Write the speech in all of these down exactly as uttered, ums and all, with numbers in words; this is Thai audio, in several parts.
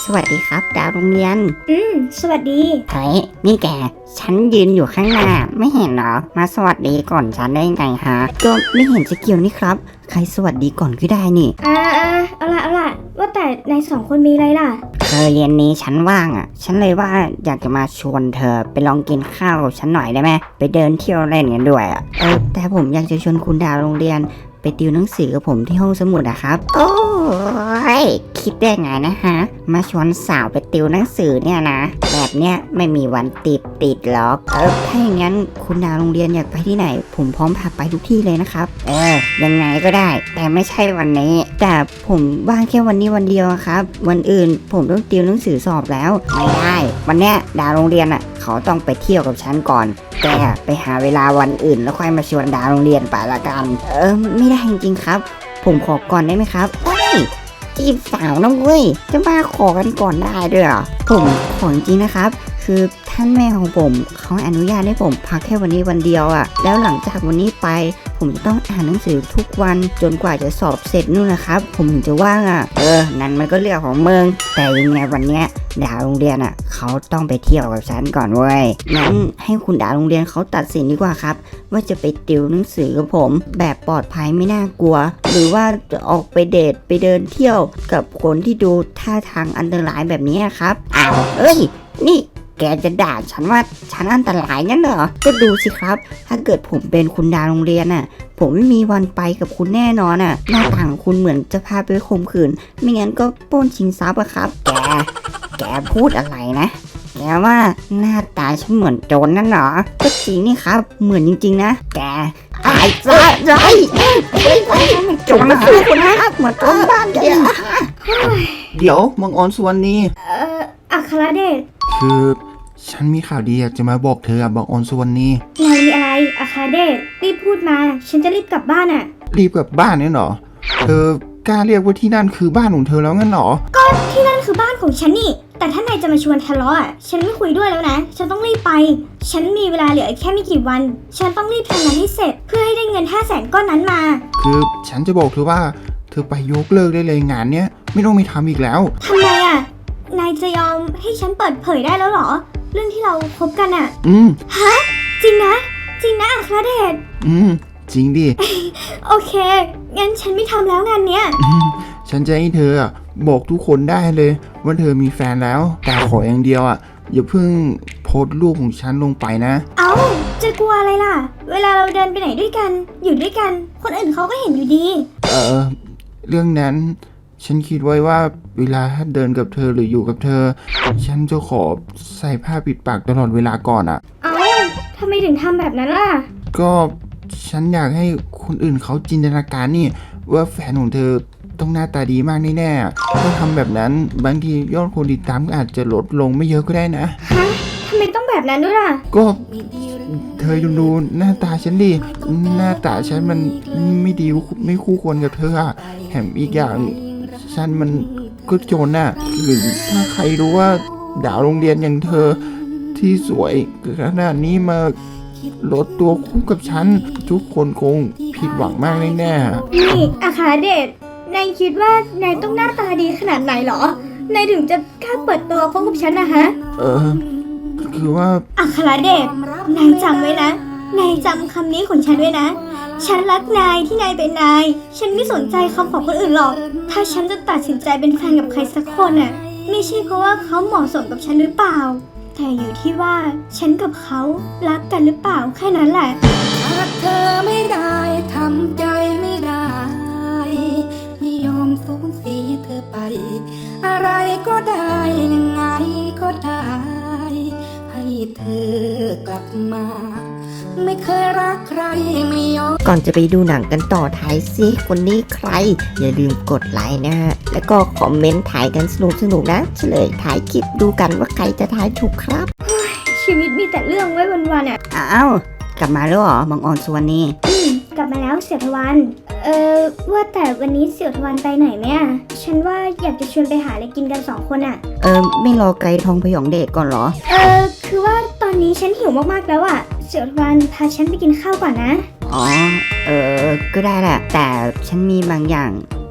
สวัสดีครับดาวโรงเรียนอืมสวัสดีเฮ้ยนี่แกฉันยืนอยู่ข้างหน้าไม่เห็นเหรอมาสวัสดีก่อนฉันได้ไงฮะก็ไม่เห็นจะเกี่ยวนี่ครับใครสวัสดีก่อนก็ได้นี่อ่าอ่าเอาละเอาละว่าแต่ในสองคนมีอะไรล่ะเธอเย็นนี้ฉันว่างอ่ะฉันเลยว่าอยากจะมาชวนเธอไปลองกินข้าวกับฉันหน่อยได้ไหมไปเดินเที่ยวเล่นกันด้วยอ่ะเออแต่ผมอยากจะชวนคุณดาวโรงเรียนไปติวหนังสือกับผมที่ห้องสมุดอะครับโอ้ยคิดได้ไงนะฮะมาชวนสาวไปติวหนังสือเนี่ยนะแบบเนี้ยไม่มีวันติดติดหรอกเออถ้าอย่างนั้นคุณดาวโรงเรียนอยากไปที่ไหนผมพร้อมพาไปทุกที่เลยนะครับเออยังไงก็ได้แต่ไม่ใช่วันนี้แต่ผมว่างแค่วันนี้วันเดียวครับวันอื่นผมต้องติวหนังสือสอบแล้วไม่ได้วันเนี้ยดาวโรงเรียนอะเขาต้องไปเที่ยวกับฉันก่อนแกไปหาเวลาวันอื่นแล้วค่อยมาชวนดาวโรงเรียนไปละกันเออไม่ได้จริงๆครับผมขอก่อนได้ไหมครับเฮ้ยจีบสาวน้องเว้ยจะมาขอกันก่อนได้ด้วยเหรอผมขอจริงๆนะครับคือท่านแม่ของผมเขาอนุญาตให้ผมพักแค่วันนี้วันเดียวอะ่ะแล้วหลังจากวันนี้ไปผมจะต้องอ่านหนังสือทุกวันจนกว่าจะสอบเสร็จนู่นนะครับผมถึงจะว่างอะ่ะเออนั่นมันก็เรื่องของมึงแต่ยังไงวันเนี้ยดาวโรงเรียนอ่ะเขาต้องไปเที่ยวกับฉันก่อนเว้ยงั้นให้คุณดาวโรงเรียนเขาตัดสินดีกว่าครับว่าจะไปติวหนังสือกับผมแบบปลอดภัยไม่น่ากลัวหรือว่าจะออกไปเดทไปเดินเที่ยวกับคนที่ดูท่าทางอันตรายแบบนี้ครับอ้าวเอ้ยนี่แกจะด่าฉันว่าฉันอันตรายงั้นเหรอก็ดูสิครับถ้าเกิดผมเป็นคุณดาวโรงเรียนน่ะผมไม่มีวันไปกับคุณแน่นอนน่ะหน้าตาของคุณเหมือนจะพาไปข่มขืนไม่งั้นก็ปล้นชิงทรัพย์อะครับแกแกพูดอะไรนะแกว่าหน้าตาฉันเหมือนโจรนั่นเหรอก็จริงนี่ครับเหมือนจริงๆนะแกไอ้ซะไรโจรนะคุณนะเหมือนโจรบ้านแกเดี๋ยวมังออนสุวรรณีเอ่ออัครเดชคือฉันมีข่าวดีอยากจะมาบอกเธออะบังออนสุวรรณีนายมีอะไรอัครเดชรีบพูดมาฉันจะรีบกลับบ้านอ่ะรีบกลับบ้านเนี่ยเหรอเธอกล้าเรียกว่าที่นั่นคือบ้านของเธอแล้วงั้นเหรอก็ที่นั่นคือบ้านของฉันนี่แต่ถ้านายจะมาชวนทะเลาะอ่ะฉันไม่คุยด้วยแล้วนะฉันต้องรีบไปฉันมีเวลาเหลือแค่ไม่กี่วันฉันต้องรีบทำงานให้เสร็จเพื่อให้ได้เงินห้าแสนก้อนนั้นมาคือฉันจะบอกเธอว่าเธอไปยกเลิกได้เลยงานเนี้ยไม่ต้องไปทำอีกแล้วทำไมอ่ะนายจะยอมให้ฉันเปิดเผยได้แล้วเหรอเรื่องที่เราคบกันอ่ะอืมฮะจริงนะจริงนะอัครเดชอืมจริงดิโอเคงั้นฉันไม่ทำแล้วงานเนี้ยฉันจะให้เธอบอกทุกคนได้เลยว่าเธอมีแฟนแล้วแต่ขออย่างเดียวอ่ะอย่าเพิ่งโพสต์รูปของฉันลงไปนะเอ้าจะกลัวอะไรล่ะเวลาเราเดินไปไหนด้วยกันอยู่ด้วยกันคนอื่นเขาก็เห็นอยู่ดีเออเรื่องนั้นฉันคิดไว้ว่าเวลาถ้าเดินกับเธอหรืออยู่กับเธอฉันจะขอใส่ผ้าปิดปากตลอดเวลาก่อนอ่ะเอ้าทำไมถึงทำแบบนั้นล่ะก็ฉันอยากให้คนอื่นเขาจินตนาการนี่ว่าแฟนของเธอต้องหน้าตาดีมากแน่ๆถ้าทำแบบนั้นบางทียอดคนติดตามก็อาจจะลดลงไม่เยอะก็ได้นะฮะทำไมต้องแบบนั้นด้วยล่ะก็เธอดูหน้าตาฉันดิหน้าตาฉันมันไม่ดีไม่คู่ควรกับเธออะแถมอีกอย่างฉันมันก็โจรน่ะหรือถ้าใครรู้ว่าดาวโรงเรียนอย่างเธอที่สวยขนาดนี้มาลดตัวคู่กับฉันทุกคนคงผิดหวังมากแน่ๆนี่อาคาเดชนายคิดว่านายต้องหน้าตาดีขนาดไหนหรอนายถึงจะกล้าเปิดตัวคบกับฉันนะฮะเออคือว่าอาคาเดชนายจำไว้นะนายจำคำนี้ของฉันไว้นะฉันรักนายที่นายเป็นนายฉันไม่สนใจคำของคนอื่นหรอกถ้าฉันจะตัดสินใจเป็นแฟนกับใครสักคนน่ะไม่ใช่เพราะว่าเขาเหมาะสมกับฉันหรือเปล่าแต่อยู่ที่ว่าฉันกับเขารักกันหรือเปล่าแค่นั้นแหละรักเธอไม่ได้ทำใจไม่ได้ไม่ยอมสูญเสียเธอไปอะไรก็ได้ยังไงก็ได้ให้เธอกลับมาไม่เคยรักใครไม่ยอมก่อนจะไปดูหนังกันต่อท้ายซิคนนี้ใครอย่าลืมกดไลค์นะฮะแล้วก็คอมเมนต์ถ่ายกันสนุกๆนะเฉลยถ่ายคลิปดูกันว่าใครจะถ่ายถูกครับชีวิตมีแต่เรื่องไว้วันๆอ่ะอ้าวกลับมาแล้วเหรอบังออนสุวรรณีอืมกลับมาแล้วเสี่ยวทวันเออว่าแต่วันนี้เสี่ยวทวันไปไหนไหมอ่ะฉันว่าอยากจะชวนไปหาอะไรกินกันสองคนอ่ะเออไม่รอไกลทองพยองเดชก่อนเหรอเออคือว่าตอนนี้ฉันหิวมากๆแล้วอ่ะเสี่ยวทวันพาฉันไปกินข้าวก่อนนะอ๋อเออก็ได้แหละแต่ฉันมีบางอย่าง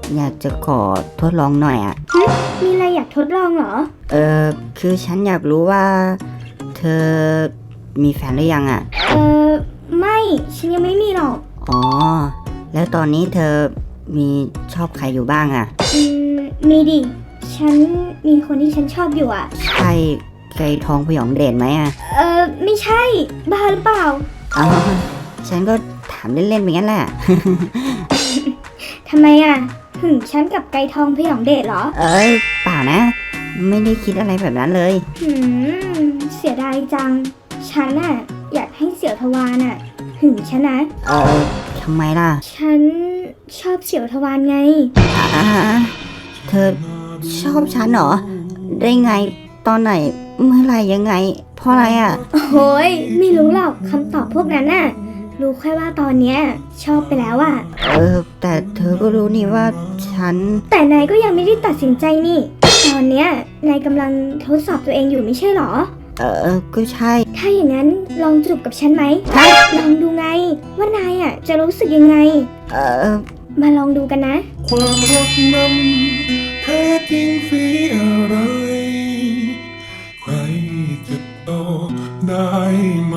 อยากจะขอทดลองหน่อยอะมีอะไรอยากทดลองเหรอเออคือฉันอยากรู้ว่า เธอมีแฟนหรือยังอะเออไม่ฉันยังไม่มีหรอกอ๋อ แล้วตอนนี้เธอมีชอบใครอยู่บ้างอะอืมมีดิ ฉันมีคนที่ฉันชอบอยู่อะใช่ไก่ทองพยองเดชไหมอะเออไม่ใช่ บ้าหรือเปล่าอ๋อฉันก็ถามเล่นๆไปงั้นแหละทำไมอะหึงฉันกับไกรทองพยองเดชเหรอเออเปล่านะ ไม่ได้คิดอะไรแบบนั้นเลยหืมเสียดายจัง ฉันน่ะอยากให้เสี่ยวทวารน่ะหึงฉันนะเออทำไมล่ะฉันชอบเสี่ยวทวารไงอ่าเธอชอบฉันเหรอ ได้ไง ตอนไหน เมื่อไหรยังไง เพราะอะไรอ่ะโอ้ยไม่รู้หรอกคำตอบพวกนั้นน่ะ รู้แค่ว่าตอนเนี้ยชอบไปแล้วอะเออ แต่เธอก็รู้นี่ว่าฉันแต่นายก็ยังไม่ได้ตัดสินใจนี่ ตอนเนี้ยนายกำลังทดสอบตัวเองอยู่ไม่ใช่เหรอเออ ก็ใช่ถ้าอย่างนั้นลองจูบกับฉันไหมฮะลองดูไง ว่านายอะจะรู้สึกยังไงเออมาลองดูกันนะความรักนั้นแท้จริงสีอะไร ใครจะตอบได้ไหม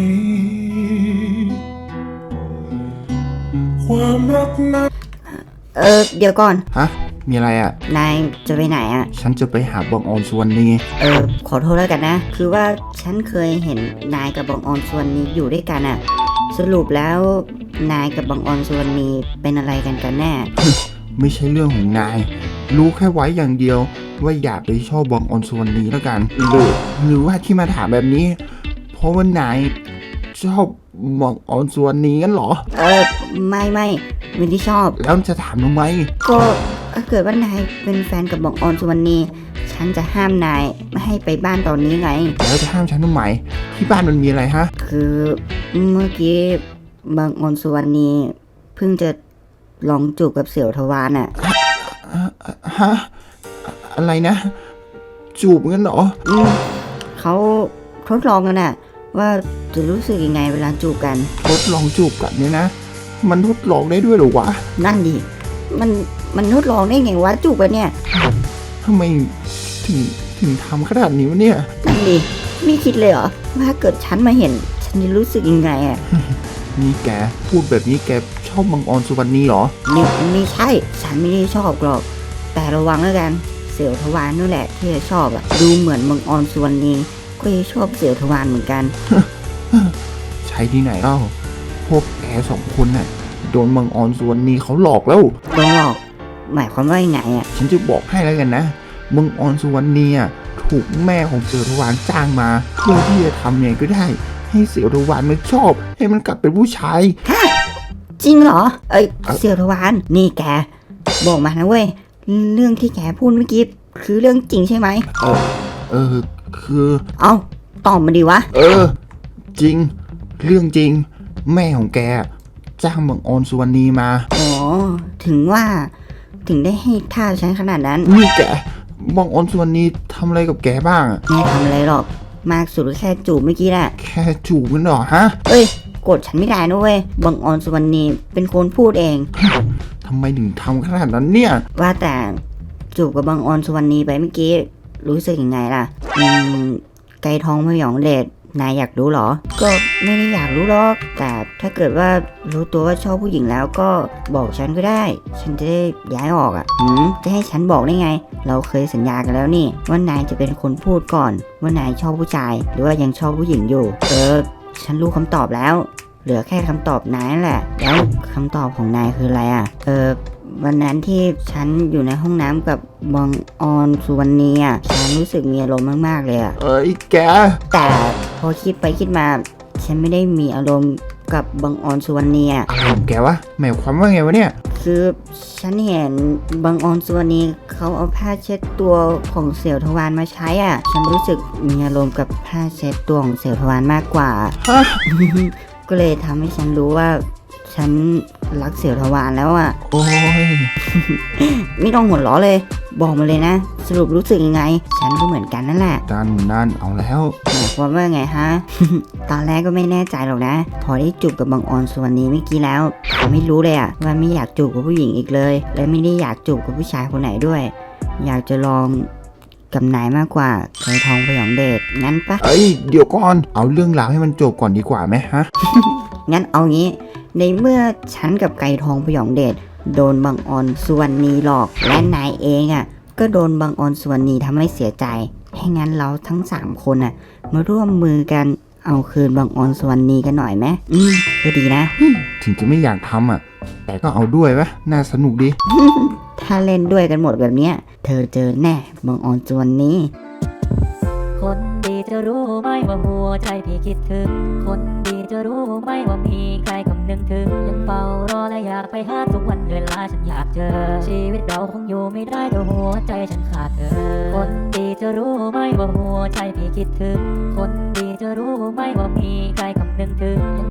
ความรักนั้นเออ เดี๋ยวก่อนฮะ มีอะไรอ่ะนายจะไปไหนอ่ะฉันจะไปหาบองออนสวนนี่เออ ขอโทษแล้วกันนะ คือว่าฉันเคยเห็นนายกับบองออนส่วนนี้อยู่ด้วยกันอ่ะ สรุปแล้วนายกับบองออนส่วนนี้เป็นอะไรกันกันแน่ไม่ใช่เรื่องของนาย รู้แค่ไว้อย่างเดียว ว่าอยากไปชอบบองออนสวนนี้แล้วกันหรือหรือว่าที่มาถามแบบนี้ เพราะว่านายชอบบองออนสวนนี้กันเหรอเออ ไม่ไม่ไม่ได้ชอบแล้วจะถามทำไมก็ถ้าเกิดว่านายเป็นแฟนกับบองออนสุวรรณีฉันจะห้ามนายไม่ให้ไปบ้านตอนนี้ไงแล้วจะห้ามฉันทำไม ที่บ้านมันมีอะไรฮะคือเมื่อกี้บางออนสุวรรณีเพิ่งจะลองจูบกับเสี่ยวทวารน่ะฮะ อะไรนะ จูบกันเหรออืมเขาทดลองกันน่ะ ว่าจะรู้สึกยังไงเวลาจูบกันทดลองจูบกันเนี่ยนะ มันทดลองได้ด้วยเหรอวะนั่นดิมันมันทดลองได้ไงวะจูบกันเนี่ยทำไมถึงถึงทำขนาดนี้วะเนี่ยนั่นดิไม่คิดเลยเหรอว่าเกิดฉันมาเห็น ฉันจะรู้สึกยังไงอ่ะนี่แกพูดแบบนี้แกชอบมังออนสุวรรณีเหรอนี่ไม่ใช่ ฉันไม่ได้ชอบหรอก แต่ระวังแล้วกัน เสี่ยวทวารนั่นแหละที่จะชอบอ่ะ ดูเหมือนมังออนสุวรรณีก็จะชอบเสี่ยวทวารเหมือนกันใช่ที่ไหนเล่า พวกแกสองคนน่ะ โดนมังออนสุวรรณีเขาหลอกแล้วโดนหลอก หมายความว่ายังไงอ่ะฉันจะบอกให้แล้วกันนะ มังออนสุวรรณีอ่ะถูกแม่ของเสือทวารจ้างมา เพื่อที่จะทำยังไงก็ได้ ให้เสือทวารมันชอบ ให้มันกลับเป็นผู้ชายจริงเหรอ เอ้ยเอ้าเสี่ยวทวารนี่แก บอกมานะเว้ย เรื่องที่แกพูดเมื่อกี้คือเรื่องจริงใช่ไหมเออ เออ คือเอ้า ตอบมาดีวะเออ จริง เรื่องจริง แม่ของแกจ้างมังออนสุวรรณีมาอ๋อ ถึงว่า ถึงได้ให้ท่าฉันขนาดนั้นนี่แกมังออนสุวรรณีทำอะไรกับแกบ้างอะไม่ทำอะไรหรอก มากสุดก็แค่จูบเมื่อกี้แหละแค่จูบกันเหรอฮะเอ้ยโกรธฉันไม่ได้นะเว้ย บังออนสุวรรณีเป็นคนพูดเองทำไมถึงทำขนาดนั้นเนี่ยว่าแต่จูบกับบังออนสุวรรณีไปเมื่อกี้รู้สึกยังไงล่ะ อืม ไก่ทองพยองเดชนายอยากรู้เหรอ ก็ไม่ได้อยากรู้หรอก แต่ถ้าเกิดว่ารู้ตัวว่าชอบผู้หญิงแล้วก็บอกฉันก็ได้ ฉันจะได้ย้ายออกอ่ะหืมจะให้ฉันบอกได้ไง เราเคยสัญญากันแล้วนี่ ว่านายจะเป็นคนพูดก่อน ว่านายชอบผู้ชาย หรือว่ายังชอบผู้หญิงอยู่ เออ ฉันรู้คำตอบแล้ว เหลือแค่คำตอบนายนั่นแหละ แล้วคำตอบของนายคืออะไรอ่ะ เออ วันนั้นที่ฉันอยู่ในห้องน้ำกับบองออนสุวรรณีอ่ะ ฉันรู้สึกมีอารมณ์มากๆเลยอ่ะเอ้ยแกแต่พอคิดไปคิดมา ฉันไม่ได้มีอารมณ์กับบังออนสุวรรณีอ่ะอะไรของแกวะหมายความว่าไงวะเนี่ยคือฉันเห็นบังออนสุวรรณีเขาเอาผ้าเช็ดตัวของเสี่ยวทวารมาใช้อ่ะ ฉันรู้สึกมีอารมณ์กับผ้าเช็ดตัวของเสี่ยวทวารมากกว่าฮะก็เลยทำให้ฉันรู้ว่า ฉันรักเสี่ยวทวารแล้วอ่ะโอ้ยไม่ต้องหัวเราะเลยบอกมาเลยนะ สรุปรู้สึกยังไง ฉันก็เหมือนกันนั่นแหละด้านนั่นเอาแล้วหมายความว่าไงฮะ ตอนแรกก็ไม่แน่ใจหรอกนะ พอได้จูบกับบางออนส่วนนี้เมื่อกี้แล้วผมไม่รู้เลยอะว่าไม่อยากจูบกับผู้หญิงอีกเลย และไม่ได้อยากจูบกับผู้ชายคนไหนด้วย อยากจะลองกับนายมากกว่าเคยทองพยองเดชงั้นปะเอ้ยเดี๋ยวก่อนเอาเรื่องราวให้มันจบก่อนดีกว่าไหมฮะงั้นเอางี้ ในเมื่อฉันกับไก่ทองพยองเดชโดนบางออนส่วนนี้หลอกและนายเองอะก็โดนบางออนส่วนนี้ทำให้เสียใจ ให้งั้นเราทั้งสามคนอะมาร่วมมือกันเอาคืนบางออนส่วนนี้กันหน่อยไหมอืมก็ดีนะถึงจะไม่อยากทำอ่ะ แต่ก็เอาด้วยวะน่าสนุกดีถ้าเล่นด้วยกันหมดแบบเนี้ยเธอเจอแน่บางออนส่วนนี้คนดีจะรู้ไหมว่าหัวใจพี่คิดถึง คนดีจะรู้ไหมว่ามีใครคำนึงถึง ยังเฝ้ารอและอยากไปหาทุกวันเวลาฉันอยากเจอ ชีวิตเราคงอยู่ไม่ได้ถ้าหัวใจฉันขาดเธอ คนดีจะรู้ไหมว่าหัวใจพี่คิดถึง คนดีจะรู้ไหมว่ามีใครคำนึงถึง